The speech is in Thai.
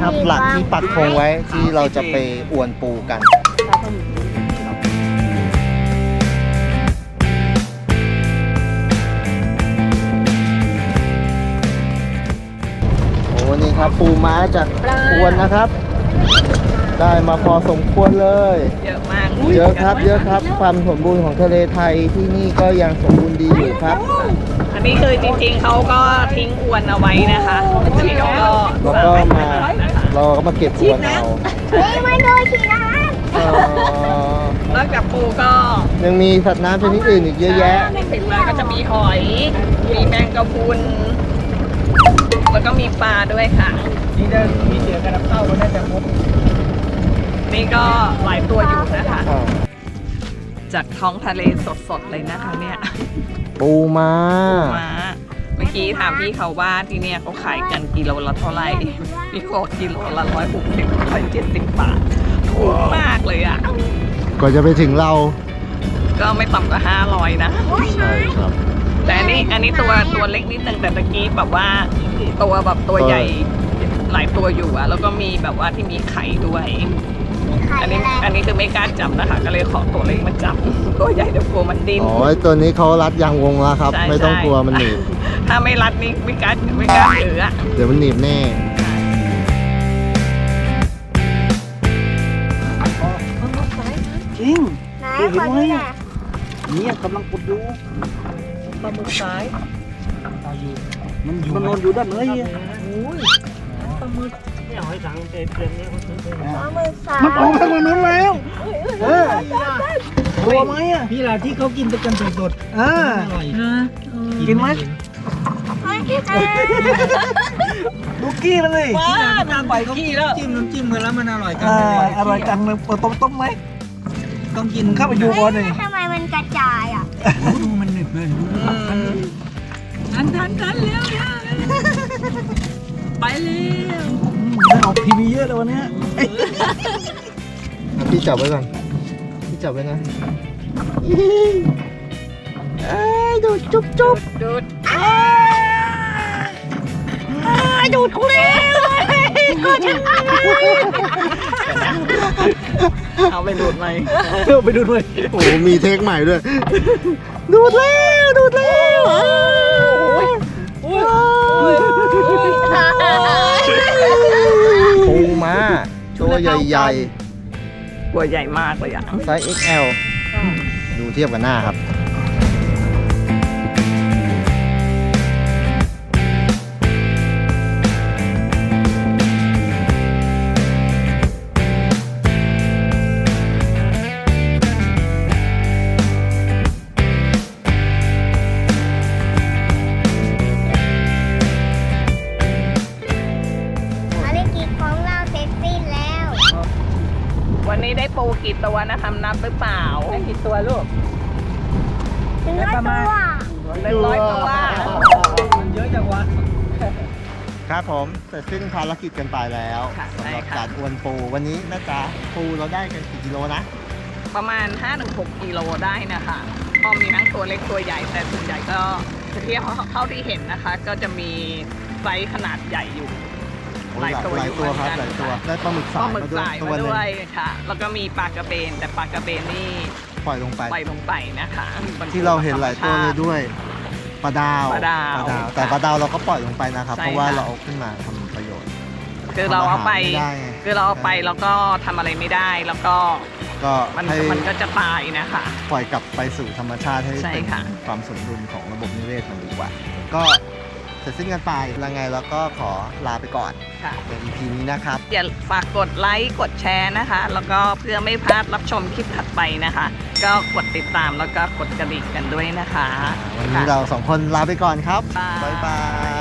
ครับหลักที่ปักธงไว้ที่เราจะไปอวนปูกันโอ้นี่ครับปูม้าจากอวนนะครับได้มาพอสมควรเลยเยอะมากเยอะครับเยอะครับความสมบูรณ์ของทะเลไทยที่นี่ก็ยังสมบูรณ์ดีอยู่ครับอันนี้คือจริงๆเขาก็ทิ้งอวนเอาไว้นะคะทีนี้ก็เราก็มาเก็บอวนเอาไม่โดนฉีดนะนอกจากปูก็ยังมีสัตว์น้ำชนิดอื่นอีกเยอะแยะถึงมาก็จะมีหอยมีแมงกะพรุนแล้วก็มีปลาด้วยค่ะนี่ได้มีเสือกระดับเข้าก็น่าจะพบนี่ก็หลายตัวอยู่นะคะจากท้องทะเลสดๆเลยนะคะเนี่ยปูม้าเมื่อกี้ถามพี่เขาว่าที่เนี่ยเขาขายกันกิโลละเท่าไหร่พี่บอกกิโลละ160-170 บาทถูกมากเลยอ่ะก่อนจะไปถึงเราก็ไม่ต่ำกว่า500นะใช่ครับแต่อันนี้ตัวเล็กนิดนึงแต่ตะกี้แบบว่าตัวใหญ่หลายตัวอยู่อ่ะแล้วก็มีแบบว่าที่มีไข่ด้วยอันนี้คือไม่กล้าจับนะคะก็เลยขอตัวเล็กมาจับตัวใหญ่เดี๋ยวกลัวมันดิ้นอ๋อตัวนี้เขารัดยางวงแล้วครับไม่ต้องกลัวมันหนีบถ้าไม่รัดนี่ไม่กล้าถืออ่ะเดี๋ยวมันหนีบแน่จริงไหนขอดูหน่อยนี่กำลังกดดูปลาหมึกสายมันนอนอยู่ด้านไหนปลาหมึกเนี่ยหอยสังเต็มนี้เขาซื้อไปปลาหมึกสายมันออกทางนู้นแล้วตัวไหมอ่ะพี่ล่ะที่เขากินกันสดๆอร่อยกินไหมลูกกี้เลยว้านางไปกี้แล้วจิ้มน้ำจิ้มกันแล้วมันอร่อยกันอร่อยกันเลยต้มไหมต้องกินเข้าไปดูก่อนเลยทำไมมันกระจายอ่ะดูมันหนึบเลยทันแล้วไปเร็วได้ออกทีวีเยอะเลยวันนี้พี่จับไว้ก่อนพี่จับไว้นะดูดจุ๊บดูดดูดกูเลยก็จะเอาไปดูดไหมไปดูดเลยโอ้มีเทคใหม่ด้วยดูดแล้วปูม้าตัวใหญ่ๆตัวใหญ่มากเลยอ่ะไซส์ XL ดูเทียบกันหน้าครับวันนี้ได้ปูกี่ตัวนะคะนับหรือเปล่าได้กี่ตัวลูก 100 ตัวมันเยอะจังวะครับผมเสร็จสิ้นภารกิจกันไปแล้วสำหรับการอวนปูวันนี้นะจ๊ะปูเราได้กันกี่กิโลนะประมาณ 5-6 กิโลได้นะคะก็มีทั้งตัวเล็กตัวใหญ่แต่ส่วนใหญ่ก็จะเทียบเท่าที่เห็นนะคะ ก็จะมีไซส์ขนาดใหญ่อยู่หลายตัวครับหลายตัวได้ปลาหมึกสายมาด้วยค่ะแล้วก็มีปลากระเบนแต่ปลากระเบนนี่ปล่อยลงไปนะคะที่เราเห็นหลายตัวเลยด้วยปลาดาวแต่ปลาดาวเราก็ปล่อยลงไปนะครับเพราะว่าเราเอาขึ้นมาทำประโยชน์คือเราเอาไปแล้วก็ทำอะไรไม่ได้แล้วก็มันก็จะตายนะคะปล่อยกลับไปสู่ธรรมชาติให้เป็นความสมดุลของระบบนิเวศมันดีกว่าก็เสร็จสิ้นกันไปแล้วไงแล้วก็ขอลาไปก่อนใน EP นี้นะครับอย่าฝากกดไลค์กดแชร์นะคะแล้วก็เพื่อไม่พลาดรับชมคลิปถัดไปนะคะก็กดติดตามแล้วก็กดกระดิ่งกันด้วยนะคะวันนี้เรา2 คนลาไปก่อนครับบ๊ายบาย